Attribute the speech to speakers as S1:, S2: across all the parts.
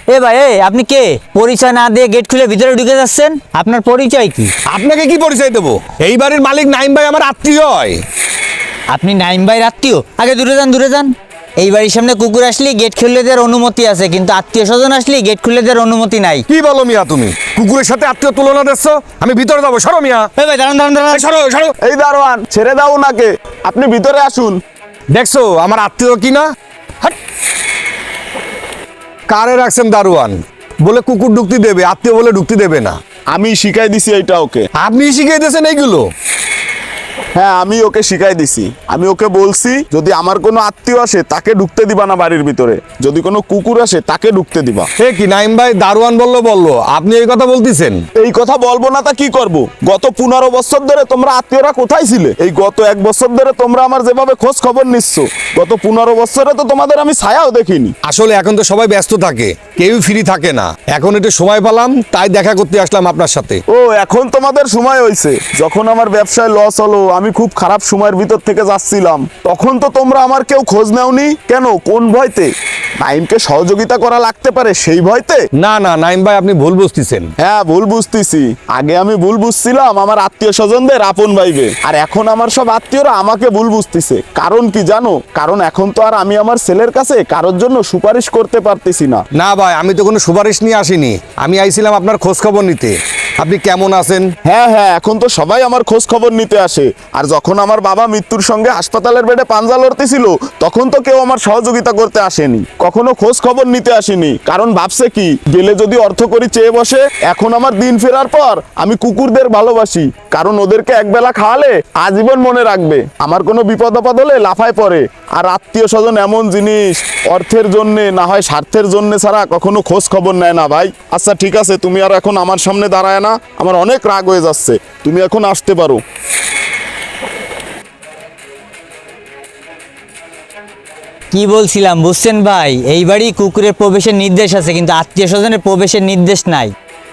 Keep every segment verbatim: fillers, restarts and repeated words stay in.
S1: এ ভাই, এ আপনি কে? পরিচয় না দিয়ে গেট খুলে ভিতরে ঢুকে যাচ্ছেন, আপনার পরিচয় কি?
S2: আপনাকে কি পরিচয় দেবো? এই বাড়ির মালিক নাইম ভাই আমার আত্মীয় হয়।
S1: আপনি নাইম ভাইয়ের আত্মীয়? আগে দূরে যান, দূরে যান। এই বাড়ির সামনে কুকুর আসলে গেট খুলে দেওয়ার অনুমতি আছে, কিন্তু আত্মীয় স্বজন আসলে গেট খুলে দেওয়ার অনুমতি নাই।
S2: কি বলো মিয়া তুমি? কুকুরের সাথে আত্মীয় তুলনা দিচ্ছ? আমি ভিতরে যাবো, সরো মিয়া।
S1: এ ভাই দাঁড়ান দাঁড়ান দাঁড়ান।
S2: এই সরো সরো।
S3: এই দারোয়ান, ছেড়ে দাও ওনাকে, আপনি ভিতরে আসুন।
S2: দেখছো আমার আত্মীয় কি না? হাট। কারে রাখছেন দারোয়ান? বলে কুকুর ঢুকতে দেবে, আত্মীয় বলে ঢুকতে দেবে না।
S3: আমি শিখাই দিছি এইটা ওকে।
S2: আপনি শিখিয়ে দিয়েছেন এইগুলো?
S3: হ্যাঁ, আমি ওকে শিখাই দিছি। আমি ওকে বলছি যদি আমার কোনো আত্মীয় আসে তাকে ঢুকতে দিবা না বাড়ির ভিতরে, যদি কোনো কুকুর আসে তাকে ঢুকতে দিবা।
S2: এ কি নাইম ভাই, দারোয়ান বললো বললো, আপনি এই কথা বলতেছেন?
S3: এই কথা বলবো না তা কি করব? গত পনেরো বছর ধরে তোমরা আত্মীয়রা কোথায় ছিলে? এই গত এক বছর ধরে তোমরা আমার যেভাবে খোঁজ খবর নিচ্ছ, গত পনেরো বছরে তো তোমাদের আমি ছায়াও দেখিনি।
S2: আসলে এখন তো সবাই ব্যস্ত থাকে, কেউ ফ্রি থাকে না। এখন একটু সময় পেলাম তাই দেখা করতে আসলাম আপনার সাথে।
S3: ও, এখন তোমাদের সময় হয়েছে। যখন আমার ব্যবসায় লস হলো, আমি খুব খারাপ সময়ের ভিতর থেকে যাচ্ছিলাম, তখন তো তোমরা আমার কেউ খোঁজ নেওনি কেন? কোন ভয়তে? নাইমকে সহযোগিতা করা লাগতে পারে সেই ভয়তে?
S2: না না নাইম ভাই, আপনি ভুল বুঝতেছেন।
S3: হ্যাঁ, ভুল বুঝতেছি। আগে আমি ভুল বুঝছিলাম আমার আত্মীয় স্বজনদের আপন ভাইবে, আর এখন আমার সব আত্মীয়রা আমাকে ভুল বুঝতেছে। কারণ কি জানো? কারণ এখন তো আর আমি আমার ছেলের কাছে কারোর জন্য সুপারিশ করতে পারতেছি না।
S2: না ভাই, আমি তো কোনো সুপারিশ নিয়ে আসিনি, আমি আইছিলাম আপনার খোঁজ খবর নিতে। আপনি কেমন আছেন?
S3: হ্যাঁ হ্যাঁ, এখন তো সবাই আমার খোঁজ খবর নিতে আসে। আর যখন আমার বাবা মৃত্যুর সঙ্গে হাসপাতালের বেডে পাঞ্জা লড়তেছিল, তখন তো কেউ আমার সহযোগিতা করতে আসেনি, কখনো খোঁজ খবর নিতে আসেনি। কারণ ভাবছে কি, গেলে যদি অর্থ করি চেয়ে বসে। এখন আমার দিন ফেরার পর আমি কুকুরদের ভালোবাসি, কারণ ওদেরকে একবেলা খাওয়ালে আজীবন মনে রাখবে। আমার কোনো বিপদ আপদ হলে লাফায় পড়ে। আর আত্মীয় স্বজন এমন জিনিস, অর্থের জন্যে না হয় স্বার্থের জন্যে ছাড়া কখনো খোঁজ খবর নেয় না ভাই। আচ্ছা ঠিক আছে, তুমি আর এখন আমার সামনে দাঁড়ায় না, আমার অনেক রাগ হয়ে যাচ্ছে। তুমি এখন আসতে পারো।
S1: কি বলছিলাম বুঝছেন ভাই? এই বাড়ি কুকুরের প্রবেশের নির্দেশ আছে, কিন্তু আত্মীয় স্বজনের প্রবেশের নির্দেশ নাই।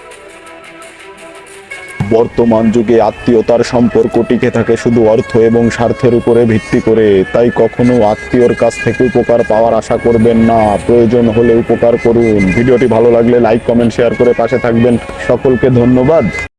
S3: বর্তমান যুগে আত্মীয়তার সম্পর্ক টিকে থাকে শুধু অর্থ এবং স্বার্থের উপরে ভিত্তি করে। তাই কখনো আত্মীয়র কাছ থেকে উপকার পাওয়ার আশা করবেন না, প্রয়োজন হলে উপকার করুন। ভিডিওটি ভালো লাগলে লাইক কমেন্ট শেয়ার করে পাশে থাকবেন। সকলকে ধন্যবাদ।